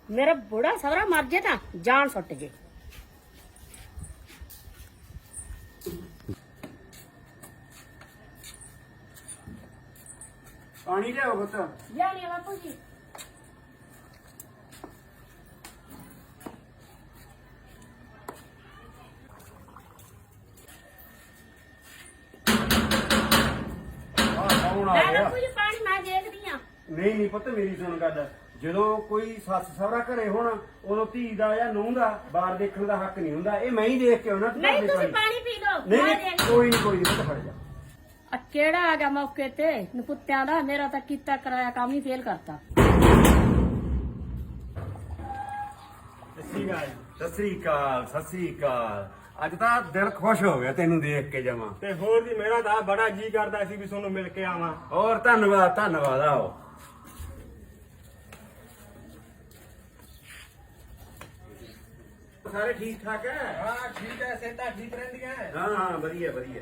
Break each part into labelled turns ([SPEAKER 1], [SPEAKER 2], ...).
[SPEAKER 1] मेरा बुढ़ा सवरा मर जे ना जान सुट जे।
[SPEAKER 2] पानी लियाओ पुत।
[SPEAKER 1] जानिए बापू जी।
[SPEAKER 2] कौन आ गया?
[SPEAKER 1] बापू जी पानी मैं देखदी हां।
[SPEAKER 2] नहीं नहीं पुत मेरी सुन गल, ਜਦੋਂ ਕੋਈ ਸੱਸ ਸਹੁਰਾ ਘਰੇ ਹੋਣ ਉਦੋਂ ਧੀ ਦਾ ਜਾਂ ਨੂੰਹ ਦਾ ਬਾਹਰ ਦੇਖਣ ਦਾ ਹੱਕ ਨਹੀਂ ਹੁੰਦਾ। ਇਹ ਮੈਂ ਹੀ ਦੇਖ ਕੇ ਆਉਣਾ।
[SPEAKER 1] नहीं तुसी पानी पी लो।
[SPEAKER 2] ਨਹੀਂ
[SPEAKER 1] मैं
[SPEAKER 2] ਨਹੀਂ
[SPEAKER 1] देख।
[SPEAKER 2] ਕੋਈ ਨਹੀਂ ਪੁੱਤ ਫੜ ਜਾ।
[SPEAKER 1] आ केड़ा आ गया मौके ते नपुत्तियां दा, मेरा तां कीता कराया काम ही फेल करता।
[SPEAKER 2] ਸਤਿ ਸ੍ਰੀ ਅਕਾਲ ਸਤਿ ਸ੍ਰੀ ਅਕਾਲ। ਅੱਜ ਤਾਂ ਦਿਲ ਖੁਸ਼ ਹੋ ਗਿਆ ਤੈਨੂੰ ਦੇਖ ਕੇ ਜਮਾ।
[SPEAKER 3] ਤੇ ਹੋਰ ਵੀ ਮੇਰਾ ਤਾਂ ਬੜਾ ਜੀ ਕਰਦਾ ਸੀ ਵੀ ਤੁਹਾਨੂੰ ਮਿਲ ਕੇ ਆਵਾਂ।
[SPEAKER 2] ਹੋਰ ਧੰਨਵਾਦ ਆਓ। ਸਾਰੇ ਠੀਕ ਠਾਕ ਹੈ?
[SPEAKER 3] ਹਾਂ ਠੀਕ ਹੈ, ਸਿਹਤਾਂ ਠੀਕ ਰਹਿੰਦੀਆਂ।
[SPEAKER 2] ਹਾਂ ਵਧੀਆ ਵਧੀਆ।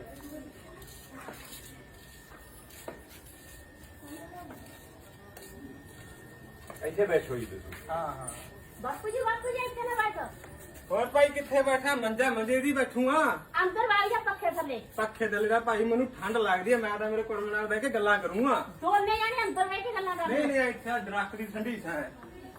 [SPEAKER 2] ਇੱਥੇ ਬੈਠੋ ਜੀ ਤੁਸੀਂ।
[SPEAKER 3] ਹਾਂ
[SPEAKER 1] बापू जी इत्थे ना बैठो।
[SPEAKER 3] ਹੋਰ ਭਾਈ ਕਿੱਥੇ ਬੈਠਾ? ਮੰਜੇ ਦੀ ਬੈਠੂ ਆ।
[SPEAKER 1] अंदर वाल जा पक्खे थल्ले।
[SPEAKER 3] ਪੱਖੇ ਥੱਲੇ ਦਾ ਭਾਈ ਮੈਨੂੰ ਠੰਡ ਲੱਗਦੀ ਹੈ, ਮੈਂ ਤਾਂ ਮੇਰੇ ਕੋਲ ਨਾਲ ਬਹਿ ਕੇ ਗੱਲਾਂ ਕਰੂੰਗਾ।
[SPEAKER 1] दोने जाने अंदर बैठ के गल्लां
[SPEAKER 3] ਨਹੀਂ
[SPEAKER 1] कर।
[SPEAKER 3] ਨਹੀਂ ਇੱਥੇ ਦਰਖਤ ਦੀ ਠੰਡੀ ਛਾਂ ਹੈ।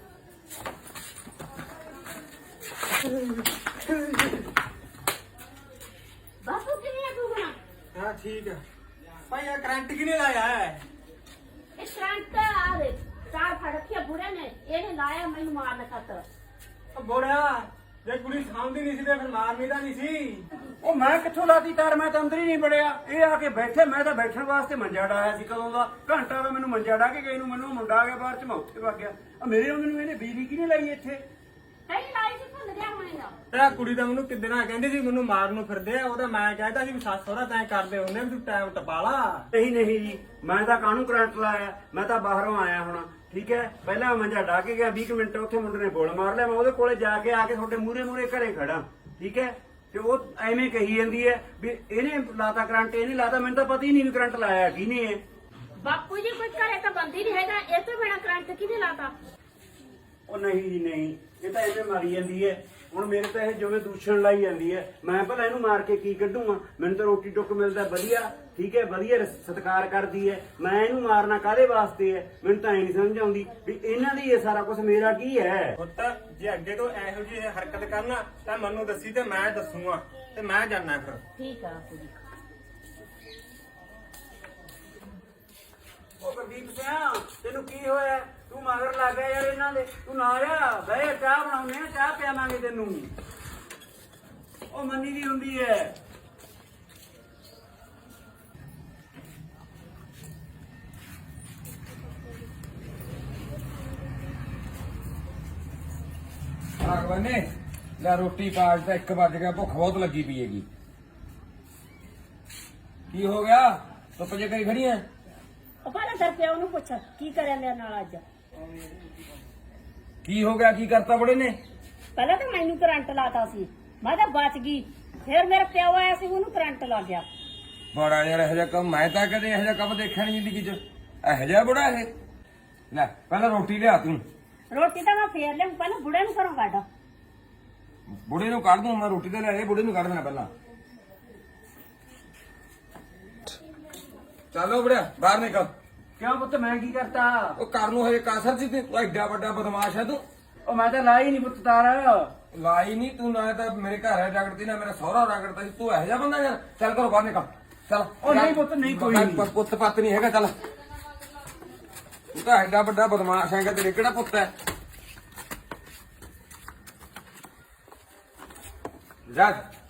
[SPEAKER 1] बापू किने तू बना?
[SPEAKER 3] ਹਾਂ ਠੀਕ ਹੈ ਭਾਈ। ਇਹ ਕਰੰਟ ਕਿਨੇ ਲਾਇਆ ਹੈ?
[SPEAKER 1] इस करंट आ रे तार फड़किया बुढ़े ने ਇਹਨੇ ਲਾਇਆ ਮੈਨੂੰ ਮਾਰਨ ਖਾਤਰ।
[SPEAKER 3] ਉਹ ਬੋੜਿਆ, ਜੇ ਕੁੜੀ ਸਾਂਭਦੀ ਨਹੀਂ ਸੀ ਤੇ ਫਿਰ ਮਾਰਨੀ ਤਾਂ ਨਹੀਂ ਸੀ।
[SPEAKER 2] ਉਹ ਮੈਂ ਕਿੱਥੋਂ ਲਾਤੀ ਤਾਰ? ਮੈਂ ਤਾਂ ਅੰਦਰ ਹੀ ਨਹੀਂ ਵੜਿਆ। ਇਹ ਆ ਕੇ ਬੈਠੇ, ਮੈਂ ਤਾਂ ਬੈਠਣ ਵਾਸਤੇ ਮੰਜਾ ਡਾਇਆ ਸੀ ਕਦੋਂ ਦਾ। ਘੰਟਾ ਵਾ ਮੈਨੂੰ ਮੰਜਾ ਡਾ ਕੇ ਗਈ ਨੂੰ। ਮੈਨੂੰ ਮੁੰਡਾ ਆ ਗਿਆ ਬਾਹਰ ਚ, ਮੈਂ ਉੱਥੇ ਵਗ ਗਿਆ। ਆ ਮੇਰੇ ਵਾਂਗ ਨੂੰ ਇਹਨੇ ਬਿਜਲੀ ਕਿਹਨੇ ਲਾਈ ਇੱਥੇ?
[SPEAKER 1] ਨਹੀਂ ਲਾਈ ਸੀ ਭੁੱਲ ਗਿਆ ਹੋਣੇ ਦਾ।
[SPEAKER 3] ਤੇ ਕੁੜੀ ਤਾਂ ਮੈਨੂੰ ਕਿੱਦਣਾ ਕਹਿੰਦੀ ਸੀ ਮੈਨੂੰ ਮਾਰਨ ਨੂੰ ਫਿਰਦੇ ਆ। ਉਹਦਾ ਮੈਂ ਕਹਿੰਦਾ ਸੀ ਵੀ ਸੱਸ ਸਹੁਰਾ ਤੈਂ ਕਰਦੇ ਹੁੰਦੇ ਵੀ ਤੂੰ ਟਾਈਮ ਟਪਾ ਲਾ।
[SPEAKER 2] ਨਹੀਂ ਜੀ, ਮੈਂ ਤਾਂ ਕਾਹਨੂੰ ਕਰੰਟ ਲਾਇਆ? ਮੈਂ ਤਾਂ ਬਾਹਰੋਂ ਆਇਆ ਹੁਣ, ਠੀਕ ਹੈ। ਪਹਿਲਾਂ ਮੰਜਾ ਡਾ ਕੇ ਗਿਆ, 20 ਮਿੰਟ ਉੱਥੇ ਮੁੰਡੇ ਨੇ ਬੋਲ ਮਾਰ ਲਿਆ। ਮੈਂ ਉਹਦੇ ਕੋਲੇ ਜਾ ਕੇ ਆ ਕੇ ਤੁਹਾਡੇ ਮੂਹਰੇ ਘਰੇ ਖੜਾ, ਠੀਕ ਹੈ। ਤੇ ਉਹ ਐਵੇਂ ਕਹੀ ਜਾਂਦੀ ਹੈ ਵੀ ਇਹਨੇ ਲਾਤਾ ਕਰੰਟ, ਇਹਨੇ ਲਾਤਾ। ਮੈਨੂੰ ਤਾਂ ਪਤਾ ਹੀ ਨਹੀਂ ਵੀ ਕਰੰਟ ਲਾਇਆ ਕਿਹਨੇ ਹੈ।
[SPEAKER 1] ਬਾਪੂ ਜੀ ਕੋਈ ਘਰੇ ਤਾਂ ਬੰਦੀ ਨਹੀਂ ਹੈਗਾ, ਇਹ ਤੋਂ ਬਿਨਾ ਕਰੰਟ ਕਿਹਨੇ ਲਾਤਾ?
[SPEAKER 2] ਉਹ ਨਹੀਂ ਜੀ ਨਹੀਂ, ਇਹ ਤਾਂ ਐਵੇਂ ਮਾਰੀ ਜਾਂਦੀ ਹੈ। ਹੁਣ ਮੇਰੇ ਤਾਂ ਇਹ ਜਿਵੇਂ ਦੂਸ਼ਣ ਲਾਈ ਜਾਂਦੀ ਹੈ। ਮੈਂ ਭਲਾ ਇਹਨੂੰ ਮਾਰ ਕੇ ਕੀ ਕੱਢੂਗਾ? ਮੈਨੂੰ ਤਾਂ ਰੋਟੀ ਟੁੱਕ ਮਿਲਦਾ ਵਧੀਆ, ਠੀਕ ਹੈ, ਵਧੀਆ ਸਤਿਕਾਰ ਕਰਦੀ ਹੈ। ਮੈਂ ਇਹਨੂੰ ਮਾਰਨਾ ਕਾਹਦੇ ਵਾਸਤੇ ਹੈ? ਮੈਨੂੰ ਤਾਂ ਐ ਨਹੀਂ ਸਮਝ ਆਉਂਦੀ ਵੀ ਇਹਨਾਂ ਦੀ ਇਹ ਸਾਰਾ ਕੁਝ, ਮੇਰਾ ਕੀ ਹੈ?
[SPEAKER 3] ਪੁੱਤ ਜੇ ਅੱਗੇ ਤੋਂ ਇਹੋ ਜਿਹੀ ਹਰਕਤ ਕਰਨਾ ਤਾਂ ਮੈਨੂੰ ਦੱਸੀ ਤੇ ਮੈਂ ਦੱਸੂਗਾ ਤੇ ਮੈਂ ਜਾਣਾ ਫਿਰ।
[SPEAKER 1] ਠੀਕ ਆ ਬਾਪੂ ਜੀ।
[SPEAKER 2] ਉਹ ਗੁਰਦੀਪ ਸਿੰਘ, ਤੈਨੂੰ ਕੀ ਹੋਇਆ? ਤੂੰ ਮਗਰ ਲੱਗ ਗਿਆ ਯਾਰ ਇਹਨਾਂ ਦੇ। ਤੂੰ ਨਾ ਆ ਬਹਿ, ਚਾਹ ਬਣਾਉਨੇ ਆ, ਚਾਹ ਪਿਆਵਾਂਗੇ ਤੈਨੂੰ। ਉਹ ਮੰਨੀ ਦੀ ਹੁੰਦੀ ਹੈ।
[SPEAKER 4] ਭਗਵਾਨੇ ਲੈ ਰੋਟੀ ਕਾਜ ਤਾਂ 1 ਵੱਜ ਗਿਆ, ਭੁੱਖ ਬਹੁਤ ਲੱਗੀ ਪਈ ਹੈਗੀ। ਕੀ ਹੋ ਗਿਆ? ਧੁੱਪ ਜੇ ਕਰੀ ਖੜੀ ਐ?
[SPEAKER 1] ਉਹ ਪਹਿਲਾਂ ਦਰ ਪਿਆ ਉਹਨੂੰ ਪੁੱਛ ਕੀ ਕਰਿਆ ਮੇਰੇ ਨਾਲ ਅੱਜ।
[SPEAKER 4] ਕੀ ਹੋ ਗਿਆ? ਕੀ ਕਰਤਾ ਬੜੇ ਨੇ?
[SPEAKER 1] ਪਹਿਲਾਂ ਤਾਂ ਮੈਨੂੰ ਕਰੰਟ ਲਾਤਾ ਸੀ, ਮੈਂ ਤਾਂ ਬਚ ਗਈ। ਫਿਰ ਮੇਰਾ ਪਿਓ ਆਇਆ ਸੀ, ਉਹਨੂੰ ਕਰੰਟ ਲੱਗ ਗਿਆ।
[SPEAKER 4] ਬੜਾ ਯਾਰ ਇਹੋ ਜਿਹਾ ਕੰਮ ਮੈਂ ਤਾਂ ਕਦੇ ਇਹੋ ਜਿਹਾ ਕੰਮ ਦੇਖਿਆ ਨਹੀਂ ਜ਼ਿੰਦਗੀ 'ਚ। ਇਹੋ ਜਿਹਾ ਬੜਾ ਇਹ। ਲੈ ਪਹਿਲਾਂ ਰੋਟੀ ਲਿਆ ਤੂੰ।
[SPEAKER 1] ਰੋਟੀ ਤਾਂ ਮੈਂ ਫੇਰ ਲਿਆ, ਪਹਿਲਾਂ ਬੁੜੇ ਨੂੰ ਘਰੋਂ ਕੱਢ।
[SPEAKER 4] ਬੁੜੇ ਨੂੰ ਕੱਢ ਦੂੰ ਮੈਂ, ਰੋਟੀ ਤੇ ਲੈ ਆਏ, ਬੁੜੇ ਨੂੰ ਕੱਢ ਦੇਣਾ ਪਹਿਲਾਂ। ਚੱਲੋ ਬੜਿਆ ਬਾਹਰ ਨਿਕਲ।
[SPEAKER 2] ਕਿਉਂ ਪੁੱਤ, ਮੈਂ ਕੀ ਕਰਤਾ?
[SPEAKER 4] ਉਹ ਘਰ ਨੂੰ ਹਜੇ ਕਾਸਰ ਸੀ ਤੇ ਤੂੰ ਐਡਾ ਵੱਡਾ ਬਦਮਾਸ਼ ਹੈ ਤੂੰ।
[SPEAKER 2] ਉਹ ਮੈਂ ਤਾਂ ਲਾਈ ਨਹੀਂ ਪੁੱਤ ਤਾਰ।
[SPEAKER 4] ਲਾਈ ਨਹੀਂ ਤੂੰ, ਨਾ ਤਾਂ ਮੇਰੇ ਘਰ ਹੈ ਰਗੜਦੀ, ਨਾ ਮੇਰਾ ਸਹੁਰਾ ਰਗੜਦਾ ਸੀ। ਤੂੰ ਇਹੋ ਜਿਹਾ ਬੰਦਾ ਯਾਰ। ਚੱਲ ਘਰੋਂ ਬਾਹਰ ਨਿਕਲ ਚੱਲ।
[SPEAKER 2] ਉਹ ਨਹੀਂ ਪੁੱਤ, ਨਹੀਂ ਕੋਈ ਨਹੀਂ।
[SPEAKER 4] ਪੁੱਤ ਪੱਤ ਨਹੀਂ ਹੈਗਾ। ਚੱਲ ਤੂੰ ਤਾਂ ਐਡਾ ਵੱਡਾ ਬਦਮਾਸ਼ ਹੈਗਾ, ਤੇਰੇ ਕਿਹੜਾ ਪੁੱਤ ਹੈ? ਜਾ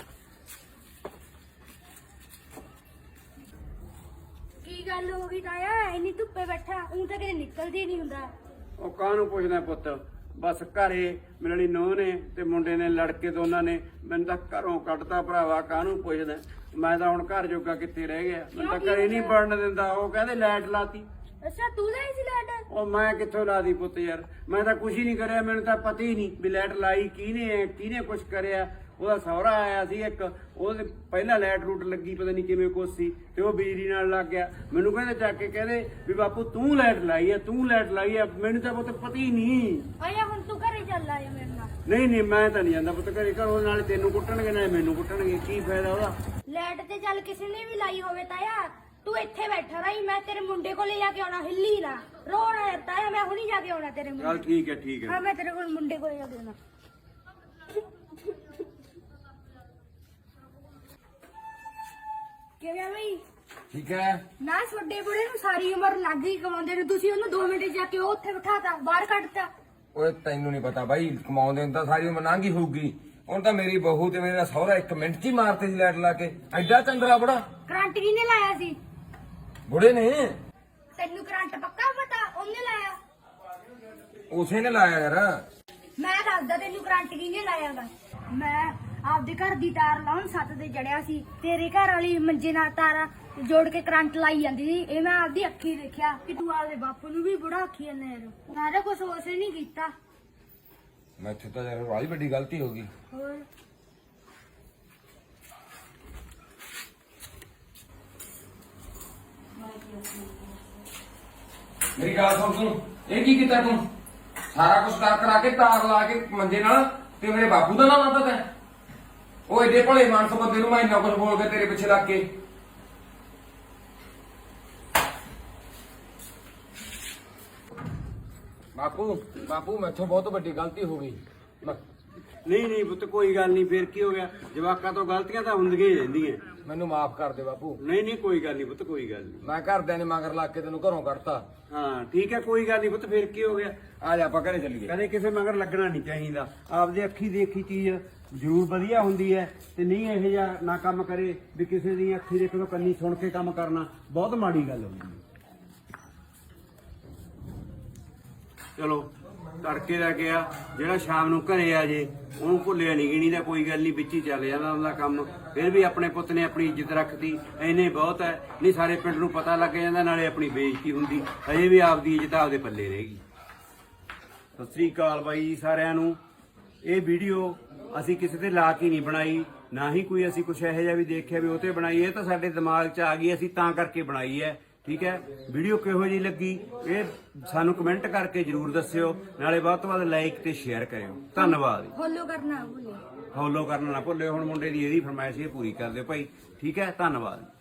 [SPEAKER 5] ਕੀ ਗੱਲ ਹੋ ਗਈ ਤਾਇਆ? ਇੰਨੀ ਧੁੱਪੇ ਬੈਠਾ, ਊਂ ਤਾਂ ਕਿਤੇ ਨਿਕਲਦੀ ਨਹੀਂ ਹੁੰਦਾ।
[SPEAKER 2] ਉਹ ਕਾਹਨੂੰ ਪੁੱਛਦਾ ਪੁੱਤ? ਬਸ ਘਰੇ ਮੇਰੀ ਨੂੰਹ ਨੇ ਤੇ ਮੁੰਡੇ ਨੇ ਲੜ ਕੇ ਦੋਨਾਂ ਨੇ ਮੈਨੂੰ ਤਾਂ ਘਰੋਂ ਕੱਢਤਾ ਭਰਾਵਾ। ਕਾਹਨੂੰ ਪੁੱਛਦਾ? ਮੈਂ ਤਾਂ ਹੁਣ ਘਰ ਜੋਗਾ ਕਿੱਥੇ ਰਹਿ ਗਿਆ। ਮੈਨੂੰ ਤਾਂ ਘਰੇ ਨਹੀਂ ਵੜਨ ਦਿੰਦਾ। ਉਹ ਕਹਿੰਦੇ ਲਾਈਟ ਲਾਤੀ।
[SPEAKER 5] ਅੱਛਾ ਤੂੰ ਲਾਈ ਸੀ ਲਾਈਟ?
[SPEAKER 2] ਉਹ ਮੈਂ ਕਿੱਥੋਂ ਲਾਦੀ ਪੁੱਤ ਯਾਰ? ਮੈਂ ਤਾਂ ਕੁਝ ਹੀ ਨਹੀਂ ਕਰਿਆ। ਮੈਨੂੰ ਤਾਂ ਪਤਾ ਹੀ ਨਹੀਂ ਵੀ ਲਾਈਟ ਲਾਈ ਕਿਹਨੇ ਹੈ, ਕਿਹਨੇ ਕੁਝ ਕਰਿਆ। ਉਹਦਾ ਸਹੁਰਾ ਆਇਆ ਸੀ ਇੱਕ, ਉਹਦੇ ਪਹਿਲਾਂ ਲਾਈਟ ਰੂਟ ਲੱਗੀ ਪਤਾ ਨਹੀਂ ਕਿਵੇਂ ਕੁਛ ਸੀ, ਤੇ ਉਹ ਬਿਜਲੀ ਨਾਲ ਲੱਗ ਗਿਆ। ਮੈਨੂੰ ਕਹਿੰਦੇ ਚੱਕ ਕੇ ਕਹਿੰਦੇ ਵੀ ਬਾਪੂ ਤੂੰ ਲਾਈਟ ਲਾਈ ਆ, ਤੂੰ ਲਾਈਟ ਲਾਈ ਆ। ਮੈਨੂੰ ਤਾਂ ਪੁੱਤ ਪਤਾ ਹੀ ਨਹੀਂ।
[SPEAKER 5] ਆਇਆ ਹੁਣ ਤੂੰ ਘਰੇ ਚੱਲ ਆਇਆ ਮੇਰੇ ਨਾਲ।
[SPEAKER 2] ਨਹੀਂ ਮੈਂ ਤਾਂ ਨਹੀਂ ਜਾਂਦਾ ਪੁੱਤ ਘਰੇ, ਘਰੋਂ ਨਾਲੇ ਤੈਨੂੰ ਕੁੱਟਣਗੇ ਨਾਲੇ ਮੈਨੂੰ ਕੁੱਟਣਗੇ, ਕੀ ਫਾਇਦਾ ਉਹਦਾ।
[SPEAKER 5] ਲੈਟ ਤੇ ਚੱਲ ਕਿਸੇ ਨੇ ਵੀ ਲਾਈ ਹੋਵੇ ਤਾਇਆ, ਤੂੰ ਇੱਥੇ ਬੈਠਾ ਰਹੀ, ਮੈਂ ਤੇਰੇ ਮੁੰਡੇ ਕੋਲੇ ਜਾ ਕੇ ਆਉਣਾ, ਹਿੱਲੀ ਨਾ ਰੋਣਾ ਤਾਇਆ, ਮੈਂ ਹੁਣੀ ਜਾ ਕੇ ਆਉਣਾ ਤੇਰੇ
[SPEAKER 2] ਚੱਲ
[SPEAKER 5] ਮੁੰਡੇ।
[SPEAKER 2] ਠੀਕ ਹੈ
[SPEAKER 5] ਹਾਂ ਮੈਂ ਤੇਰੇ ਕੋਲ ਮੁੰਡੇ ਕੋਲੇ ਜਾ ਕੇ ਆਉਣਾ। ਕਿਵੇਂ ਬਈ?
[SPEAKER 4] ਠੀਕ ਹੈ।
[SPEAKER 5] ਨਾ ਛੋਡੇ ਬੁੜੇ ਨੂੰ ਸਾਰੀ ਉਮਰ ਲੱਗ ਗਈ ਕਮਾਉਂਦੇ ਨੂੰ, ਤੁਸੀਂ ਉਹਨੂੰ 2 ਮਿੰਟ ਜਾ ਕੇ ਉਹ ਉੱਥੇ ਬਿਠਾਤਾ, ਬਾਹਰ ਕੱਢਤਾ।
[SPEAKER 4] ਓਏ ਤੈਨੂੰ ਨਹੀਂ ਪਤਾ ਬਾਈ, ਕਮਾਉਂਦੇ ਨੂੰ ਤਾਂ ਸਾਰੀ ਉਮਰ ਲੰਘ ਹੀ ਹੋਊਗੀ। ਹੁਣ ਤਾਂ ਮੇਰੀ ਬਹੂ ਤੇ ਮੇਰਾ ਸਹੁਰਾ 1 ਮਿੰਟ 'ਚ ਹੀ ਮਾਰਤੇ ਸੀ ਲਾਈਟ ਲਾ ਕੇ। ਐਡਾ ਚੰਦਰਾ ਬੜਾ
[SPEAKER 5] ਕਰੰਟ ਕਿਹਨੇ ਲਾਇਆ ਸੀ?
[SPEAKER 4] ਬੁੜੇ ਨੇ।
[SPEAKER 5] ਤੈਨੂੰ ਕਰੰਟ ਪੱਕਾ ਪਤਾ? ਉਹਨੇ ਲਾਇਆ।
[SPEAKER 4] ਉਸੇ ਨੇ ਲਾਇਆ ਯਾਰ।
[SPEAKER 5] ਮੈਂ ਦੱਸਦਾ ਤੈਨੂੰ ਕਰੰਟ ਕਿਹਨੇ ਲਾਇਆ ਗਾ। ਮੈਂ ਆਪਦੇ ਘਰ ਦੀ ਤਾਰ ਲਾਉਣ ਛੱਤ ਤੇ ਚੜਿਆ ਸੀ, ਤੇਰੇ ਘਰ ਵਾਲੀ ਮੰਜੇ ਨਾਲ ਤਾਰਾਂ ਜੋੜ ਕੇ ਕਰੰਟ ਲਾਈ ਜਾਂਦੀ ਸੀ। ਇਹ ਮੈਂ ਆਪਦੀ ਅੱਖੀ ਦੇਖਿਆ ਕਿ ਤੂੰ ਆਪਦੇ ਬਾਪੂ ਨੂੰ ਵੀ ਬੁੜਾ ਆਖੀ ਜਾਂਦਾ ਯਾਰ। ਸਾਰਾ ਕੁਝ ਉਸੇ ਨਹੀਂ ਕੀਤਾ।
[SPEAKER 4] ਮੈਥੋਂ ਤਾਂ ਯਾਰ ਬੜੀ ਵੱਡੀ ਗਲਤੀ ਹੋ ਗਈ।
[SPEAKER 5] ਹੋਰ
[SPEAKER 4] ਮੇਰੀ ਗੱਲ ਸੁਣ ਤੂੰ, ਇਹ ਕੀ ਕੀਤਾ ਤੂੰ? ਸਾਰਾ ਕੁਝ ਕਰ ਕਰਾ ਕੇ ਤਾਰ ਲਾ ਕੇ ਮੰਜੇ ਨਾਲ, ਤੇ ਮੇਰੇ ਬਾਪੂ ਦਾ ਨਾਮ ਆਤਾ ਤੈਂ। ਉਹ ਏਡੇ ਭਲੇ ਮਾਨਸ ਬੰਦੇ ਨੂੰ ਮੈਂ ਇੰਨਾ ਕੁਝ ਬੋਲ ਕੇ ਤੇਰੇ ਪਿੱਛੇ ਲੱਗ ਕੇ। ਬਾਪੂ ਮੈਥੋਂ ਬਹੁਤ ਵੱਡੀ ਗਲਤੀ ਹੋ ਗਈ।
[SPEAKER 2] ਨਹੀਂ ਪੁੱਤ ਕੋਈ ਗੱਲ ਨਹੀਂ, ਫੇਰ ਕੀ ਹੋ ਗਿਆ, ਜਵਾਕਾਂ ਤੋਂ ਗਲਤੀਆਂ ਤਾਂ ਹੁੰਦੀਆਂ ਹੀ ਰਹਿੰਦੀਆਂ।
[SPEAKER 4] ਮੈਨੂੰ ਮਾਫ ਕਰ ਦੇ ਬਾਪੂ।
[SPEAKER 2] ਨਹੀਂ ਕੋਈ ਗੱਲ ਨਹੀਂ ਪੁੱਤ, ਕੋਈ ਗੱਲ ਨਹੀਂ।
[SPEAKER 4] ਮੈਂ ਘਰਦਿਆਂ ਨੇ ਮਗਰ ਲੱਗ ਕੇ ਤੈਨੂੰ ਘਰੋਂ ਕੱਢਤਾ।
[SPEAKER 2] ਹਾਂ ਠੀਕ ਹੈ, ਕੋਈ ਗੱਲ ਨਹੀਂ ਪੁੱਤ, ਫੇਰ ਕੀ ਹੋ ਗਿਆ।
[SPEAKER 4] ਆ ਜਾ ਆਪਾਂ ਘਰੇ ਚੱਲੀਏ।
[SPEAKER 2] ਕਦੇ ਕਿਸੇ ਮਗਰ ਲੱਗਣਾ ਨਹੀਂ ਚਾਹੀਦਾ। ਆਪਦੇ ਅੱਖੀ ਦੇਖੀ ਚੀਜ਼ ਜ਼ਰੂਰ ਵਧੀਆ ਹੁੰਦੀ ਹੈ, ਤੇ ਨਹੀਂ ਇਹੋ ਜਿਹਾ ਨਾ ਕੰਮ ਕਰੇ ਵੀ ਕਿਸੇ ਦੀ ਅੱਖੀ ਦੇਖੋ ਤੋਂ ਕੰਨੀ ਸੁਣ ਕੇ ਕੰਮ ਕਰਨਾ ਬਹੁਤ ਮਾੜੀ ਗੱਲ ਹੁੰਦੀ ਹੈ। ਚਲੋ ਤੜਕੇ ਦਾ ਗਿਆ, ਜਿਹੜਾ ਸ਼ਾਮ ਨੂੰ ਘਰੇ ਆ ਜੇ ਉਹਨੂੰ ਭੁੱਲਿਆ ਨਹੀਂ ਗਿਣੀ ਦਾ, ਕੋਈ ਗੱਲ ਨਹੀਂ, ਵਿੱਚ ਹੀ ਚੱਲ ਜਾਂਦਾ ਉਹਦਾ ਕੰਮ। ਫਿਰ ਵੀ ਆਪਣੇ ਪੁੱਤ ਨੇ ਆਪਣੀ ਇੱਜ਼ਤ ਰੱਖਤੀ, ਐਨੇ ਬਹੁਤ ਹੈ। ਨਹੀਂ ਸਾਰੇ ਪਿੰਡ ਨੂੰ ਪਤਾ ਲੱਗ ਜਾਂਦਾ, ਨਾਲੇ ਆਪਣੀ ਬੇਇੱਜ਼ਤੀ ਹੁੰਦੀ, ਅਜੇ ਵੀ ਆਪਦੀ ਇੱਜ਼ਤ ਆਪਦੇ ਪੱਲੇ ਰਹੇਗੀ। ਸਤਿ ਸ੍ਰੀ ਅਕਾਲ ਬਾਈ ਸਾਰਿਆਂ ਨੂੰ। ਇਹ ਵੀਡੀਓ ਅਸੀਂ ਕਿਸੇ ਤੇ ਲਾ ਕੇ ਨਹੀਂ ਬਣਾਈ, ਨਾ ਹੀ ਕੋਈ ਅਸੀਂ ਕੁਛ ਇਹੋ ਜਿਹਾ ਵੀ ਦੇਖਿਆ ਵੀ ਉਹ ਤੇ ਬਣਾਈ। ਇਹ ਤਾਂ ਸਾਡੇ ਦਿਮਾਗ 'ਚ ਆ ਗਈ, ਅਸੀਂ ਤਾਂ ਕਰਕੇ ਬਣਾਈ ਹੈ। ਠੀਕ ਹੈ, ਵੀਡੀਓ ਕਿਹੋ ਜਿਹੀ ਲੱਗੀ ਇਹ ਸਾਨੂੰ ਕਮੈਂਟ ਕਰਕੇ ਜਰੂਰ ਦੱਸਿਓ, ਨਾਲੇ ਵੱਧ ਤੋਂ ਵੱਧ ਲਾਈਕ ਤੇ ਸ਼ੇਅਰ ਕਰਿਓ। ਧੰਨਵਾਦ।
[SPEAKER 5] ਫੋਲੋ ਕਰਨਾ ਭੁੱਲਿਓ।
[SPEAKER 2] ਫੋਲੋ ਕਰਨਾ ਨਾ ਭੁੱਲਿਓ। ਹੁਣ ਮੁੰਡੇ ਦੀ ਇਹਦੀ ਫਰਮਾਇਸ਼ ਇਹ ਪੂਰੀ ਕਰ ਦਿਓ ਭਾਈ। ਠੀਕ ਹੈ, ਧੰਨਵਾਦ।